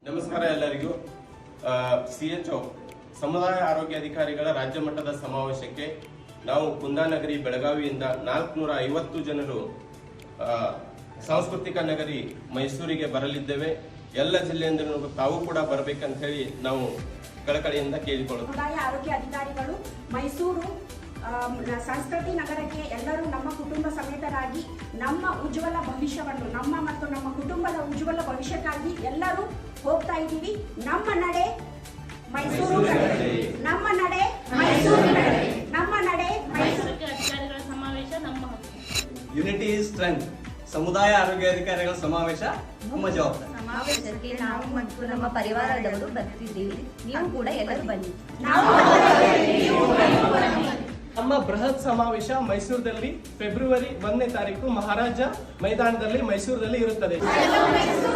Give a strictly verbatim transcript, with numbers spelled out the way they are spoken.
ನಮಸ್ಕಾರ ಎಲ್ಲರಿಗೂ. ಸಿಎಚ್ಒ ಸಮುದಾಯ ಆರೋಗ್ಯ ಅಧಿಕಾರಿಗಳ ರಾಜ್ಯ ಮಟ್ಟದ ಸಮಾವೇಶಕ್ಕೆ ನಾವು ಕುಂದಾನಗರಿ ಬೆಳಗಾವಿಯಿಂದ ನಾಲ್ಕುನೂರ ಐವತ್ತು ಜನರು ಸಾಂಸ್ಕೃತಿಕ ನಗರಿ ಮೈಸೂರಿಗೆ ಬರಲಿದ್ದೇವೆ. ಎಲ್ಲ ಜಿಲ್ಲೆಯಿಂದ ತಾವು ಕೂಡ ಬರಬೇಕಂತ ಹೇಳಿ ನಾವು ಕಳಕಳಿಯಿಂದ ಕೇಳಿಕೊಳ್ಳುತ್ತೇವೆ. ಸಮುದಾಯ ಆರೋಗ್ಯ ಅಧಿಕಾರಿಗಳು ಮೈಸೂರು ಸಂಸ್ಕೃತಿ ನಗರಕ್ಕೆ ಎಲ್ಲರೂ ನಮ್ಮ ಕುಟುಂಬ ಸಮೇತರಾಗಿ ನಮ್ಮ ಉಜ್ವಲ ಭವಿಷ್ಯವನ್ನು ನಮ್ಮ ಮತ್ತು ನಮ್ಮ ಕುಟುಂಬದ ಉಜ್ವಲ ಭವಿಷ್ಯಕ್ಕಾಗಿ ಎಲ್ಲರೂ ಹೋಗ್ತಾ ಇದ್ದೀವಿ. ನಮ್ಮ ನಡೆ ಮೈಸೂರು ಕಡೆ, ನಮ್ಮ ನಡೆ ಮೈಸೂರು ಕಡೆ, ನಮ್ಮ ನಡೆ ಮೈಸೂರು ಅಧಿಕಾರಿಗಳ ಸಮಾವೇಶ ನಮ್ಮ ಯುನಿಟಿ ಇಸ್ ಸ್ಟ್ರೆಂತ್. ಸಮುದಾಯ ಆರೋಗ್ಯ ಅಧಿಕಾರಿಗಳ ಸಮಾವೇಶ ನಮ್ಮ ಜವಾಬ್ದಾರಿ. ಸಮಾವೇಶಕ್ಕೆ ನಾವು ಮತ್ತು ನಮ್ಮ ಪರಿವಾರದವರು ಬರ್ತಿದ್ದೀವಿ. ನೀವು ಕೂಡ ಎಲ್ಲರೂ ಬನ್ನಿ. ನಮ್ಮ ಬೃಹತ್ ಸಮಾವೇಶ ಮೈಸೂರಿನಲ್ಲಿ ಫೆಬ್ರವರಿ ಒಂದನೇ ತಾರೀಕು ಮಹಾರಾಜ ಮೈದಾನದಲ್ಲಿ ಮೈಸೂರಿನಲ್ಲಿ ಇರುತ್ತದೆ.